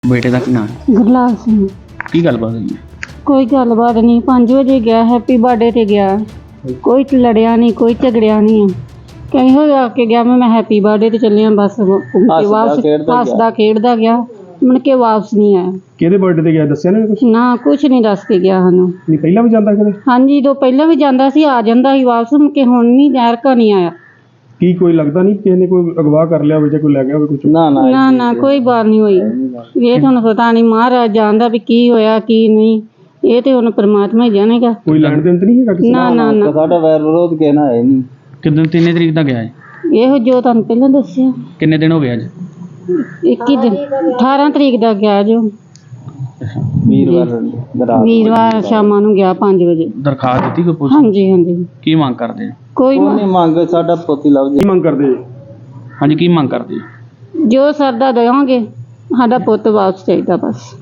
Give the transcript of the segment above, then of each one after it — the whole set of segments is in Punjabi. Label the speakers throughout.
Speaker 1: ਬੇਟੇ ਦਾ ਕੀ ਨਾਂ ਹੈ?
Speaker 2: ਗੁਰਲਾਲ ਸਿੰਘ।
Speaker 1: ਕੀ ਗੱਲਬਾਤ ਹੋਈ ਹੈ?
Speaker 2: ਕੋਈ ਗੱਲਬਾਤ ਨਹੀਂ, 5 ਵਜੇ ਗਿਆ, ਹੈਪੀ ਬਰਥਡੇ ਤੇ ਗਿਆ, ਕੋਈ ਲੜਿਆ ਨਹੀਂ, ਕੋਈ ਝਗੜਿਆ ਨਹੀਂ। ਕਹੀਂ ਹੋਇਆ ਕੇ ਗਿਆ, ਮੈਂ ਹੈਪੀ ਬਰਥਡੇ ਤੇ ਚੱਲਿਆ, ਬਸ ਵਾਪਸ ਹੱਸਦਾ ਖੇਡਦਾ ਗਿਆ, ਮੁੜ ਕੇ ਵਾਪਸ ਨਹੀਂ ਆਇਆ।
Speaker 3: ਕਿਹਦੇ ਬਰਥਡੇ ਤੇ ਗਿਆ ਦੱਸਿਆ ਨਾ ਕੁਝ?
Speaker 2: ਨਾ ਕੁਛ ਨਹੀਂ ਦੱਸ ਕੇ ਗਿਆ ਸਾਨੂੰ।
Speaker 3: ਨਹੀਂ ਪਹਿਲਾਂ ਵੀ ਜਾਂਦਾ ਕਦੇ?
Speaker 2: ਹਾਂਜੀ, ਤੋਂ ਪਹਿਲਾਂ ਵੀ ਜਾਂਦਾ ਸੀ, ਆ ਜਾਂਦਾ ਸੀ ਵਾਪਸ, ਮੁੜ ਕੇ ਹੁਣ ਨਹੀਂ, ਜ਼ਹਿਰ ਕਾ ਨਹੀਂ ਆਇਆ।
Speaker 3: ਕੀ ਕੋਈ ਲੱਗਦਾ ਨਹੀਂ ਕਿਸੇ ਨੇ ਕੋਈ ਅਗਵਾ ਕਰ ਲਿਆ ਹੋਵੇ ਜਾਂ ਕੋਈ ਲੈ ਗਿਆ ਹੋਵੇ ਕੁਝ?
Speaker 2: ਨਾ ਕੋਈ ਬਾਤ ਨਹੀਂ ਹੋਈ। ਇਹ ਤੁਹਾਨੂੰ ਪਤਾ ਨਹੀਂ, ਮਹਾਰਾਜ ਜਾਣਦਾ ਵੀ ਕੀ ਹੋਇਆ ਕੀ ਨਹੀਂ, ਇਹ ਤੇ ਹੁਣ ਪਰਮਾਤਮਾ ਹੀ ਜਾਣੇਗਾ।
Speaker 3: ਕੋਈ ਲੈਣ ਦੇਣ ਤਾਂ ਨਹੀਂ ਹੈਗਾ ਕਿਸੇ ਨਾਲ?
Speaker 2: ਨਾ
Speaker 4: ਸਾਡਾ ਵੈਰ ਵਿਰੋਧ ਕਹਿਣਾ ਹੈ ਨਹੀਂ।
Speaker 1: ਕਿੰਨੇ ਤਰੀਕ ਦਾ ਗਿਆ ਹੈ?
Speaker 2: ਇਹੋ ਜੋ ਤੁਹਾਨੂੰ ਪਹਿਲਾਂ ਦੱਸਿਆ।
Speaker 1: ਕਿੰਨੇ ਦਿਨ ਹੋ ਗਏ ਅੱਜ?
Speaker 2: 21 ਦਿਨ, 18 ਤਰੀਕ ਦਾ ਗਿਆ ਜੋ। ਵੀਰਵਾਰ ਸ਼ਾਮਾਂ ਨੂੰ ਗਿਆ 5 ਵਜੇ।
Speaker 1: ਦਰਖਾਸਤ ਦਿੱਤੀ ਕੋਈ ਪੁਲਿਸ?
Speaker 2: ਹਾਂਜੀ
Speaker 1: ਕੀ ਮੰਗ ਕਰਦੇ ਹੋ?
Speaker 2: ਕੋਈ
Speaker 4: ਨਹੀਂ ਮੰਗ, ਸਾਡਾ ਪੋਤੀ ਲੱਭ
Speaker 3: ਕੀ ਮੰਗ ਕਰਦੇ ਜੀ?
Speaker 1: ਹਾਂਜੀ, ਕੀ ਮੰਗ ਕਰਦੇ ਹੋ?
Speaker 2: ਜੋ ਸਰਦਾ ਦੇਵਾਂਗੇ, ਸਾਡਾ ਪੁੱਤ ਵਾਪਸ ਚਾਹੀਦਾ ਬਸ।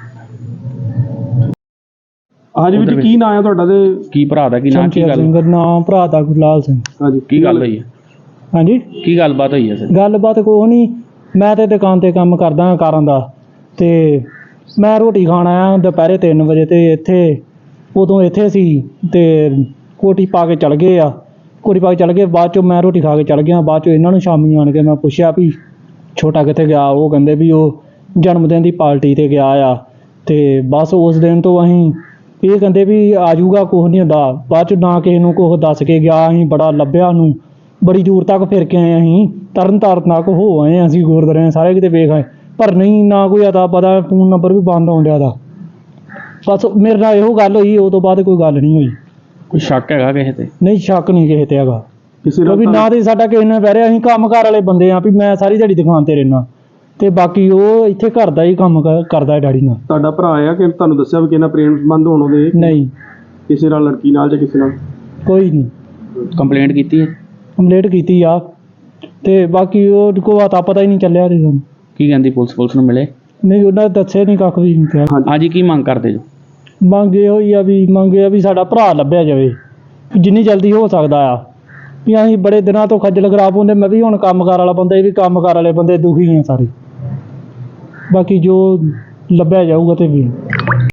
Speaker 3: ਹਾਂਜੀ ਵੀਰ ਜੀ, ਕੀ ਨਾਂ ਹੈ ਤੁਹਾਡਾ ਤੇ
Speaker 1: ਕੀ ਭਰਾ ਦਾ ਕੀ ਨਾਂ? ਕੀ ਗੱਲ?
Speaker 5: ਨਾਮ ਭਰਾ ਦਾ ਗੁਰਲਾਲ ਸਿੰਘ।
Speaker 3: ਹਾਂਜੀ
Speaker 1: ਕੀ ਗੱਲ ਹੋਈ ਹੈ?
Speaker 5: ਹਾਂਜੀ,
Speaker 1: ਕੀ ਗੱਲਬਾਤ ਹੋਈ ਹੈ ਸਰ?
Speaker 5: ਗੱਲਬਾਤ ਕੋਈ ਨਹੀਂ, ਮੈਂ ਤੇ ਦੁਕਾਨ ਤੇ ਕੰਮ ਕਰਦਾ ਹਾਂ ਕਾਰਾਂ ਦਾ, ਤੇ ਮੈਂ ਰੋਟੀ ਖਾਣ ਆਇਆ ਦੁਪਹਿਰੇ 3 ਵਜੇ, ਤੇ ਇੱਥੇ ਉਦੋਂ ਇੱਥੇ ਸੀ ਤੇ ਕੋਟੀ ਪਾ ਕੇ ਚਲ ਗਏ ਆ। ਕੋਟੀ ਪਾ ਕੇ ਚਲ ਗਏ, ਬਾਅਦ ਚੋਂ ਮੈਂ ਰੋਟੀ ਖਾ ਕੇ ਚਲ ਗਿਆ। ਬਾਅਦ ਚੋਂ ਇਹਨਾਂ ਨੂੰ ਸ਼ਾਮੀ ਆਣ ਕੇ ਮੈਂ ਪੁੱਛਿਆ ਵੀ ਛੋਟਾ ਕਿੱਥੇ ਗਿਆ? ਉਹ ਕਹਿੰਦੇ ਵੀ ਉਹ ਜਨਮ ਦਿਨ ਦੀ ਪਾਰਟੀ ਤੇ ਗਿਆ ਆ। ਤੇ ਬਸ ਉਸ ਦਿਨ ਤੋਂ ਅਸੀਂ ਇਹ ਕਹਿੰਦੇ ਵੀ ਆ ਜਾਊਗਾ, ਕੁਛ ਨਹੀਂ ਹੁੰਦਾ। ਬਾਅਦ ਚ ਨਾ ਕਿਸੇ ਨੂੰ ਕੁਛ ਦੱਸ ਕੇ ਗਿਆ। ਅਸੀਂ ਬੜਾ ਲੱਭਿਆ ਉਹਨੂੰ, ਬੜੀ ਦੂਰ ਤੱਕ ਫਿਰ ਕੇ ਆਏ, ਅਸੀਂ ਤਰਨ ਤਾਰਨ ਤੱਕ ਹੋ ਆਏ, ਅਸੀਂ ਗੁਰਦੁਆਰੇ ਸਾਰੇ ਕਿਤੇ ਵੇਖ ਆਏ, ਪਰ ਨਹੀਂ, ਨਾ ਕੋਈ ਅਤਾ ਪਤਾ, ਫੋਨ ਨੰਬਰ ਵੀ ਬੰਦ ਆਉਣ ਡਿਆ ਦਾ। ਬਸ ਮੇਰੇ ਨਾਲ ਇਹੋ ਗੱਲ ਹੋਈ, ਉਹ ਤੋਂ ਬਾਅਦ ਕੋਈ ਗੱਲ ਨਹੀਂ ਹੋਈ।
Speaker 1: ਕੋਈ ਸ਼ੱਕ ਹੈਗਾ ਕਿਸੇ ਤੇ?
Speaker 5: ਨਹੀਂ, ਸ਼ੱਕ ਨਹੀਂ ਕਿਸੇ ਤੇ ਹੈਗਾ,
Speaker 3: ਕਿਸੇ
Speaker 5: ਕਿਉਂਕਿ
Speaker 3: ਨਾਲ
Speaker 5: ਨਾ ਤੇ ਸਾਡਾ ਕਿਸੇ ਨਾਲ ਬਹਿ ਰਿਹਾ। ਅਸੀਂ ਕੰਮਕਾਰ ਵਾਲੇ ਬੰਦੇ ਆ, ਵੀ ਮੈਂ ਸਾਰੀ ਦਿਹਾੜੀ ਦੁਕਾਨ ਤੇ ਰਹਿਣਾ, ਤੇ ਬਾਕੀ ਉਹ ਇੱਥੇ ਘਰ ਦਾ ਹੀ ਕੰਮ ਕਰਦਾ ਹੈ ਡੈਡੀ ਨਾਲ।
Speaker 3: ਤੁਹਾਡਾ ਭਰਾ ਆ ਕਿ ਤੁਹਾਨੂੰ ਦੱਸਿਆ ਵੀ ਕਿਸੇ ਨਾਲ ਪ੍ਰੇਮ ਸੰਬੰਧ ਹੋਣ ਉਹਦੇ?
Speaker 5: ਨਹੀਂ,
Speaker 3: ਕਿਸੇ ਨਾਲ, ਲੜਕੀ ਨਾਲ ਜਾਂ ਕਿਸੇ ਨਾਲ?
Speaker 5: ਕੋਈ ਨਹੀਂ।
Speaker 1: ਕੰਪਲੇਂਟ ਕੀਤੀ ਹੈ?
Speaker 5: ਕੰਪਲੇਂਟ ਕੀਤੀ ਆ, ਤੇ ਬਾਕੀ ਉਹ ਕੋ ਪਤਾ ਹੀ ਨਹੀਂ ਚੱਲਿਆ ਤੇ ਸਾਨੂੰ।
Speaker 1: ਕੀ ਕਹਿੰਦੀ ਪੁਲਿਸ ਨੂੰ ਮਿਲੇ?
Speaker 5: ਨਹੀਂ, ਉਹਨਾਂ ਨੇ ਦੱਸਿਆ ਨਹੀਂ, ਕੱਖ ਵੀ ਨਹੀਂ ਕਿਹਾ।
Speaker 1: ਹਾਂਜੀ, ਕੀ ਮੰਗ ਕਰਦੇ ਜੋ?
Speaker 5: ਮੰਗ ਇਹੋ ਹੀ ਆ ਵੀ ਸਾਡਾ ਭਰਾ ਲੱਭਿਆ ਜਾਵੇ, ਜਿੰਨੀ ਜਲਦੀ ਹੋ ਸਕਦਾ ਆ। ਵੀ ਅਸੀਂ ਬੜੇ ਦਿਨਾਂ ਤੋਂ ਖੱਜਲ ਖਰਾਬ ਹੁੰਦੇ, ਮੈਂ ਵੀ ਹੁਣ ਕੰਮਕਾਰ ਵਾਲਾ ਬੰਦਾ, ਇਹ ਵੀ ਕੰਮਕਾਰ ਵਾਲੇ ਬੰਦੇ, ਦੁਖੀ ਆ ਸਾਰੇ। ਬਾਕੀ ਜੋ ਲੱਭਿਆ ਜਾਊਗਾ ਤੇ ਵੀ